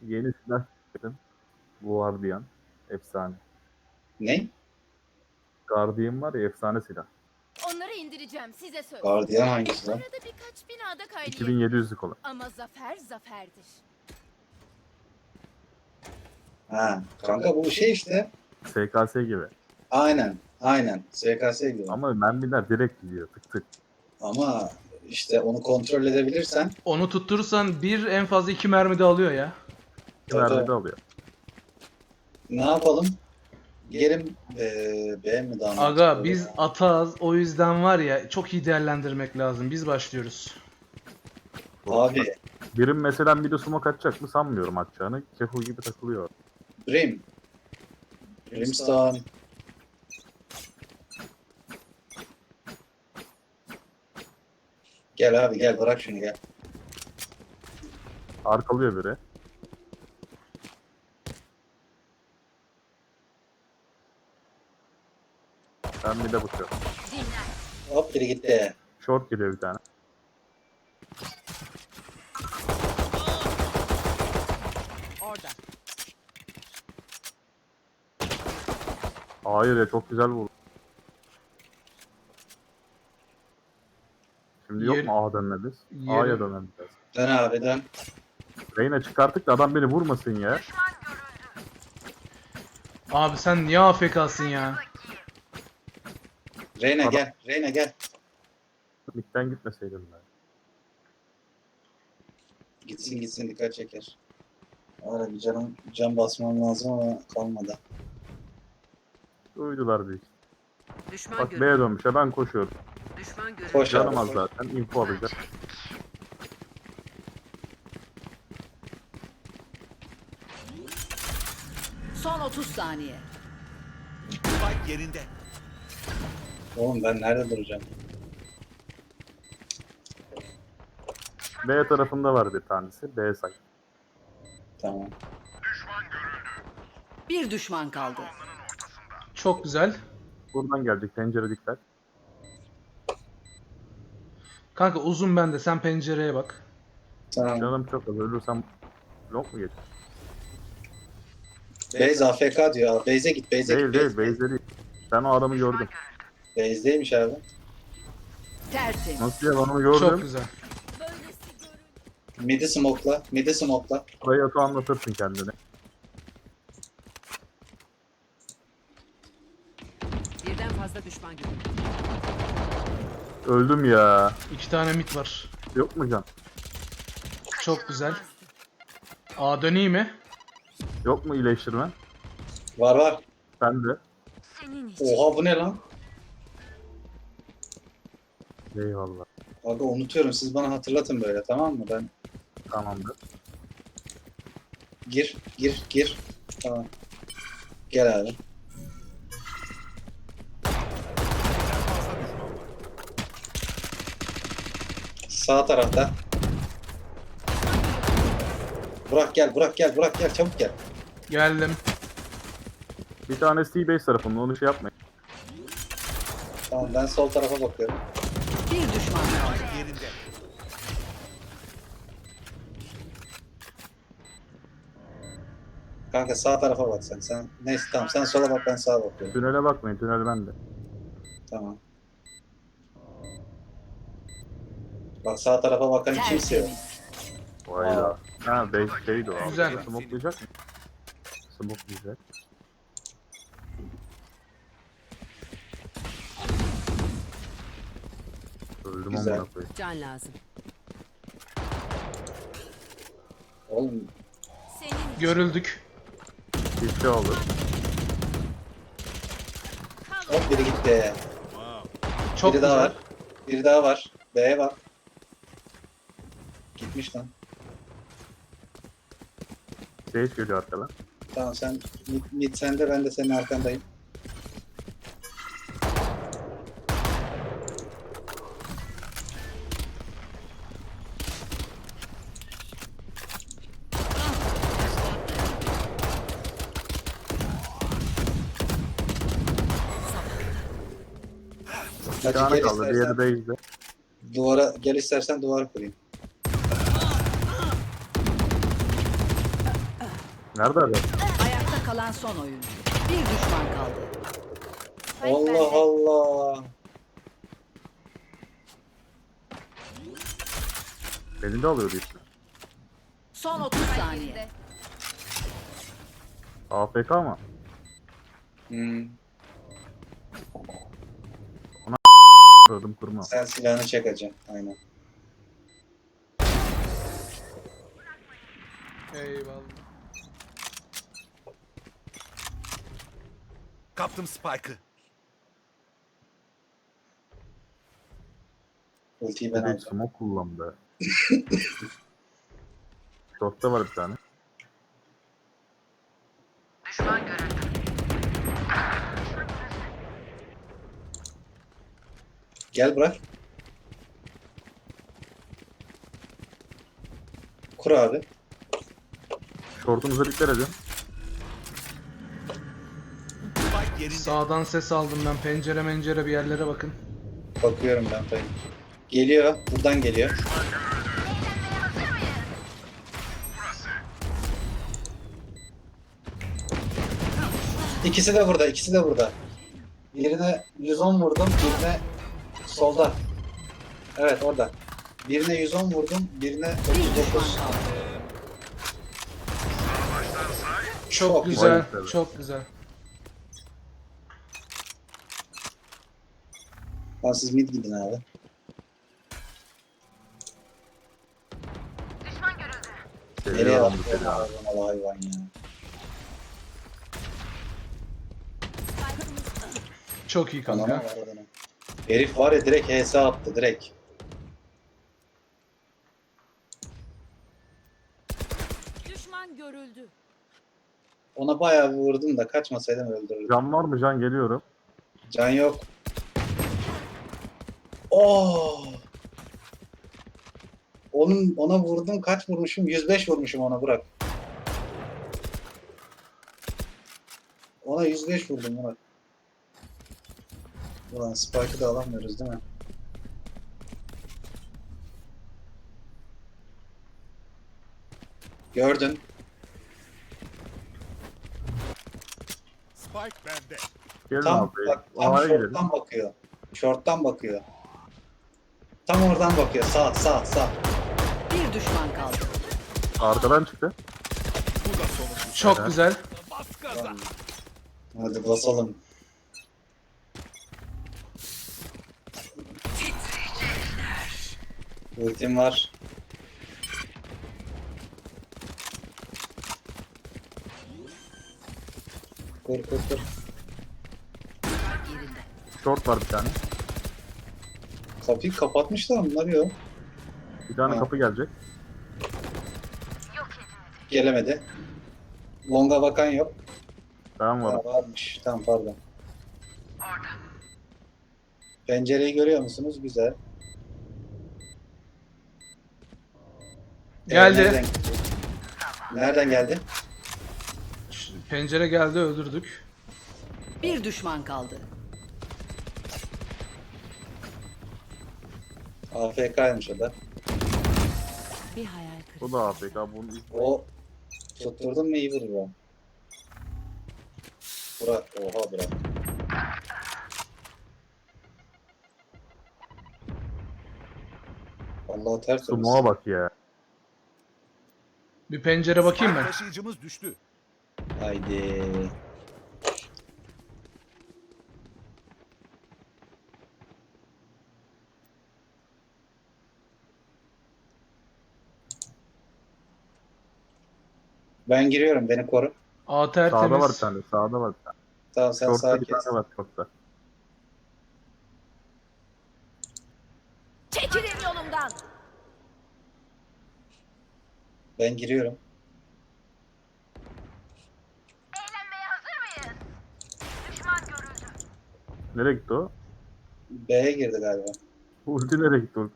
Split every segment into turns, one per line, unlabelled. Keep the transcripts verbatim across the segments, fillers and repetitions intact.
Yeni silah çıktım. Guardian. Efsane.
Ne?
Guardian var ya, efsane silah.
Onları indireceğim size söz.
Gardiyan hangisi lan?
Arada birkaç binada kaynayabilir.
iki bin yedi yüzlük olan.
Ama zafer zaferdir.
Ha, kanka bu şey işte.
S K S gibi.
Aynen. Aynen. S K S gibi.
Ama mermiler direkt gidiyor. Tık tık.
Ama işte onu kontrol edebilirsen
Onu tutturursan bir en fazla iki mermi de alıyor ya.
İki
Tabii.
mermi de alıyor.
ne yapalım? Gelin eee B mi daha
Aga
mantıklı
biz
ya?
atağız, o yüzden var ya çok iyi değerlendirmek lazım. Biz başlıyoruz.
Abi
Birim mesela bir de smoke atacak mı sanmıyorum atacağını. Kefo gibi takılıyor.
Brim. Brimstone. Gel abi gel bırak şunu gel.
Arkalıyor biri. Ben bir de bakıyorum.
Dinler.
Hop biri gitti.
Short geliyor bir tane.
Orada.
Hayır ya, çok güzel vurdu. Şimdi yok
Yer-
mu A dönmemiz?
Yerim-
A'ya dönmemiz.
Dön abi dön.
Reyna çıkarttık da adam beni vurmasın ya.
Abi sen niye A F K'sın ya?
Reyna
Adam-
gel. Reyna gel.
Mid'den gitmeseydim ben.
Gitsin gitsin dikkat çeker. Öyle bir canım, can basmam lazım ama kalmadı.
Uydular büyük.
Düşman
Bak
görüldü.
B'ye dönmüş ya, ben koşuyorum.
Düşman görüldü.
Koş
Canım
abi.
az
koş.
zaten. Info alacak.
Son otuz saniye.
Spike yerinde.
Oğlum ben nerede duracağım?
B tarafında var bir tanesi. B say.
Tamam.
Bir düşman kaldı.
Çok güzel.
Buradan gelecek. Pencere dikkat.
Kanka uzun bende, sen pencereye bak.
Tamam.
Canım çok az. Ölürsem yok mu geç?
Beyz A F K diyor. Beyze git. Beyze
Değil
git.
değil.
Beyze.
Base'de değil. Ben o adamı gördüm.
Beyzdeymiş abi.
Tertemiz.
Nasıl ya, ben onu gördüm.
Çok güzel.
Böylesi görün.
Midi smoke'la. Midi smoke'la.
Burayı atı anlatırsın kendine.
Birden fazla düşman görüldü.
Öldüm ya.
İki tane mit var.
Yok mu can?
Çok güzel. A döneyim mi?
Yok mu iyileştirme?
Var var.
Ben de.
Senin için.
Oha bu ne lan?
Eyvallah.
Abi unutuyorum. Siz bana hatırlatın böyle tamam mı? Ben
Tamamdır.
gir gir gir. Tamam. Gel abi. Sağ tarafta. Burak gel, Burak gel, Burak gel, çabuk gel.
Geldim.
Bir tanesi T-base tarafında, onu şey yapmayın.
Tamam ben sol tarafa bakıyorum.
Bir düşman kaldı.
Spike yerinde.
Kanka sağ tarafa bak sen. Sen neyse tamam sen sola bak ben sağa bakıyorum.
Tünele bakmayın, tünel bende.
Tamam. Bak sağ tarafa bakan kimse yok.
Tertemiz.
Vayda. Ha base şeydi o abi.
Güzel.
Smokelayacak mı? Smokelayacak. Öldüm
Güzel.
amına koyayım.
Can lazım.
Oğlum
Senin için.
Görüldük.
Bir şey oldu.
hop biri gitti.
Çok
biri daha
güzel.
var. Biri daha var. B'ye bak. Gitmiş lan.
Sage geliyor arkadan.
Tamam sen mid, mid sende ben de senin arkandayım.
Bir
Hadi
tane
gel
kaldı, diğeri
istersen
base'de.
duvara gel istersen duvar kurayım.
Nerede adam?
Ayakta kalan son oyuncu. Bir düşman kaldı.
Allah Allah.
Elinde alıyordu işte.
Son otuz saniye.
Yerinde.
A F K mı?
Hmm.
Kırdım kurma.
Sen silahını çek hacı. Aynen.
Eyvallah.
Kaptım Spike'ı.
Ultiyi ben
Bir de
alacağım.
smoke kullandı. Short'ta var bir tane.
Gel bırak. Kur abi.
Short'unuza dikkat edin.
Spike yerinde.
Sağdan ses aldım ben. Pencere mencere bir yerlere bakın.
Bakıyorum ben tabii. Geliyor. Buradan geliyor. İkisi de burada. İkisi de burada. Birine yüz on vurdum. Birine solda. Evet orada. Birine yüz on vurdum. Birine
Bir
otuz
düşman
dokuz.
kaldı.
Çok
güzel.
güzel.
güzel.
Çok güzel.
Tamam siz mid gidin abi. Nereye
Seviye aldı
attın
seni abi.
hayvan hayvan ya.
Çok iyi
Kanama
kanka.
var adamın. Herif var ya direkt H S attı direkt.
Düşman görüldü.
Ona bayağı bir vurdum da kaçmasaydım öldürürdüm.
Can var mı can geliyorum.
Can yok. Oo. Onun ona vurdum kaç vurmuşum? yüz beş vurmuşum ona bırak. Ona yüz beş vurdum Murat. Ulan Spike'ı da alamıyoruz değil mi? Gördün.
Spike bende.
Gelin
Tam
abi.
bak tam
A'ya gidelim.
short'tan bakıyor. Short'tan bakıyor. Tam oradan bakıyor. Sağ sağ sağ.
Bir düşman kaldı.
Arkadan çıktı.
Bu da sonuncusu.
Çok
Evet.
güzel.
Bas gaza.
Hadi basalım. Ultim var. Kur kur kur.
Yerinde.
Short var bir tane.
Kapıyı kapatmışlar bunlar yok.
Bir tane
Ha.
kapı gelecek.
Gelemedi. Longa bakan yok.
Ben varım.
Ha, varmış. Tamam pardon. Pencereyi görüyor musunuz? Güzel.
Geldi.
Ee, nereden, nereden geldi?
Ş- Pencere geldi öldürdük.
Bir düşman kaldı.
A F K'ymış o da.
Bir hayal kırıklığı.
Bu da A F K. Bunun ilk
O tutturdun mu iyi vurur o. Burak. Oha Burak. Allah ters
smoke'a bak ya.
Bir pencere bakayım
Spike
ben.
taşıyıcımız düştü.
Haydi. Ben giriyorum. Beni koru.
A
Sağda var bir
tertemiz.
tane. Sağda var bir tane.
Tamam sen
Short'ta
sağa
bir
kes.
tane var short'ta.
Çekilin yolumdan.
Ben giriyorum.
Eğlenmeye hazır mıyız? Düşman görüldü.
Nereye gitti o?
B'ye girdi galiba.
Bu ulti nereye gitti o?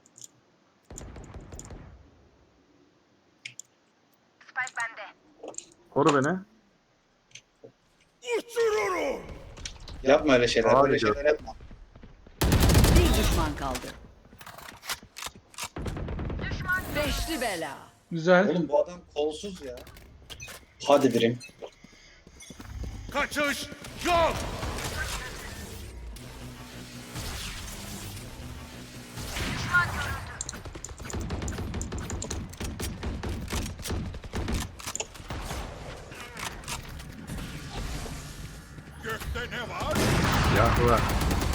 Spike bende.
Koru beni.
Uçururum.
Yapma öyle şeyler.
Abi
Böyle
gör.
şeyler yapma.
Bir düşman kaldı. Beşli bela.
Güzel.
Oğlum bu adam kolsuz ya. Hadi birim.
Kaçış yok. Gökte ne var?
Ya var.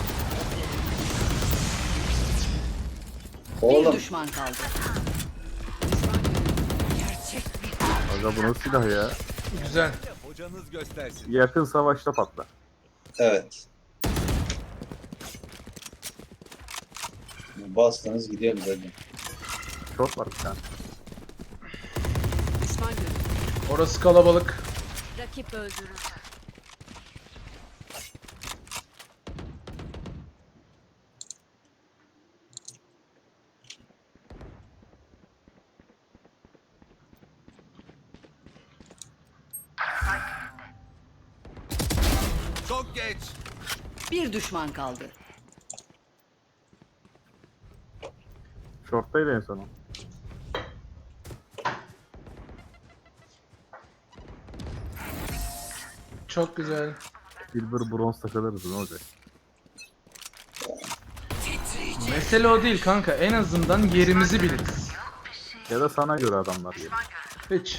Bir
Oğlum
düşman kaldı.
Aga bu nasıl silah ya?
Güzel.
Hocanız göstersin.
Yakın savaşta patlar.
evet. Bastınız gidiyoruz hadi.
Short var bir tane.
Düşman görüldü.
Orası kalabalık.
Rakip öldürüldü.
Çok geç.
Bir düşman kaldı.
Short'taydı en son o.
Çok güzel.
Silver bronz takılırız ne olacak?
Mesele o değil kanka. En azından yerimizi biliriz.
Ya da sana göre adamlar gelir.
Hiç.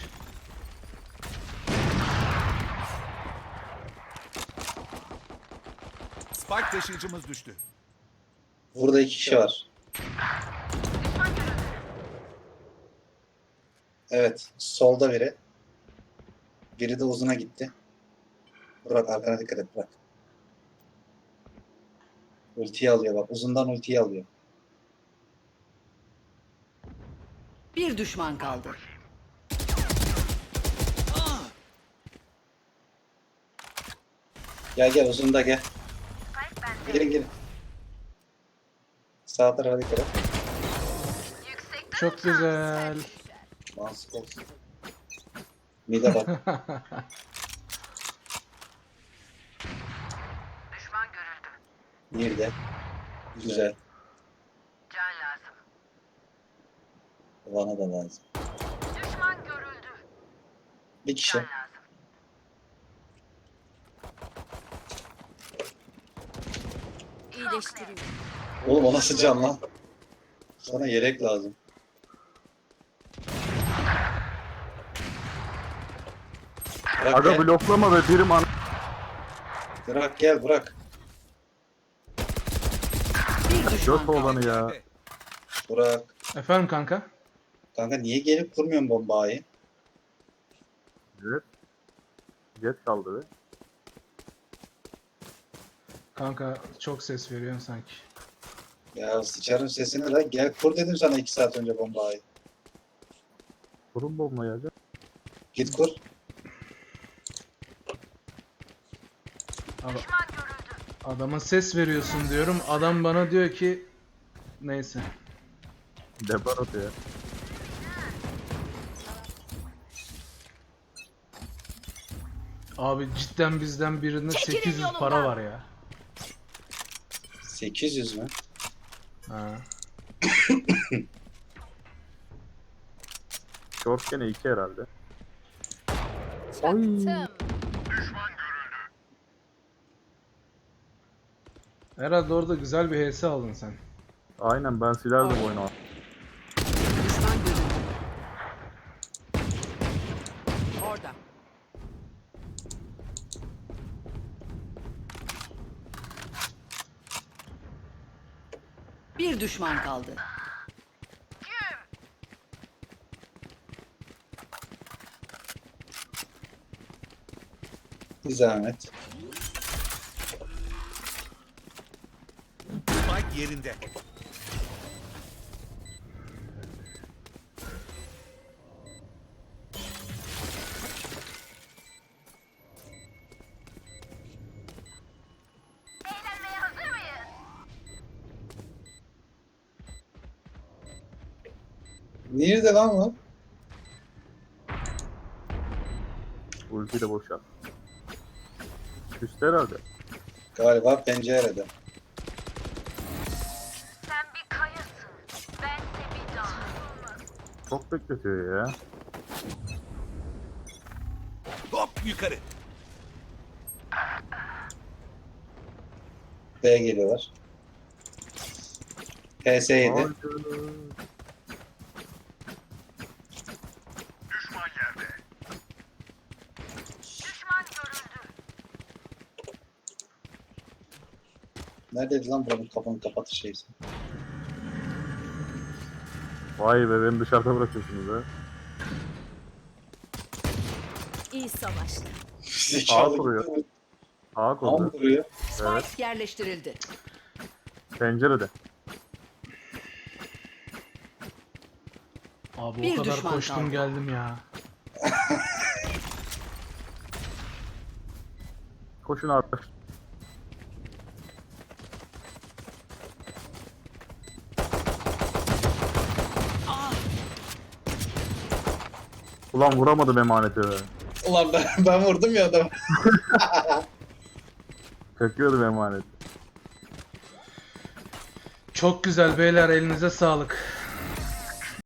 Spike taşıyıcımız düştü.
Burada iki kişi var. Evet. Solda biri. Biri de uzuna gitti. Burak arkana dikkat et Burak. Ultiyi alıyor bak. Uzundan ultiyi alıyor.
Bir düşman kaldı.
Gel gel uzunda gel. Gelin gelin. Sağ tarafa dikkat et.
Çok güzel.
Mansık olsun. Mide bak.
Düşman görüldü.
Nerede? Güzel.
Can lazım.
Bana da lazım.
Düşman görüldü.
Bir kişi.
Can lazım. İyileştiriyor.
Oğlum o nasıl can lan? Sana yelek lazım. Bırak
Aga
gel.
bloklama ve birim an...
Bırak gel bırak.
Bir düşman
Göt
kaldı.
olanı ya.
Bırak.
Efendim kanka?
Kanka niye gelip kurmuyorsun bombayı?
Evet. Jet kaldı be.
Kanka çok ses veriyorsun sanki.
Ya sıçarım sesini de gel kur dedim sana iki saat önce bombayı.
Kurun bombayı aga.
Git kur.
Abi, adama ses veriyorsun diyorum. Adam bana diyor ki neyse.
Depar atıyor.
Abi cidden bizden birinde
Çekilin
sekiz yüz
yolumdan.
para var ya.
sekiz yüz mü?
Ha.
Short gene iki herhalde.
Çaktım.
Herhalde orada güzel bir H S aldın sen.
Aynen ben silerdim oyunu.
Düşman görüldü. Orada. Bir düşman kaldı.
Bir zahmet.
Spike yerinde.
Eğlenmeye hazır mıyız?
Nerede lan bu?
Ultiyi de boşalt. Üstte herhalde.
Galiba pencerede.
Sen bir kayasın. Ben de bir dağ.
Çok bekletiyor ya.
Hop yukarı.
B'ye geliyorlar. P S yedi.
Haydi.
Düşman görüldü.
Neredeydi lan buranın kapını kapatır şeysi?
Vay be, beni dışarıda bırakıyorsunuz ha.
İyi savaştı.
Zekalı
kuruyor.
gitti mi?
A
Tam
konuda.
kuruyor.
Evet.
Spike yerleştirildi.
Pencerede.
Abi
Bir
o kadar
düşman
koştum
kaldı.
geldim ya.
Koşun abi. Ulan vuramadım emaneti be.
Ulan ben, ben vurdum ya adamı.
Çakıyordum emaneti.
Çok güzel beyler, elinize sağlık.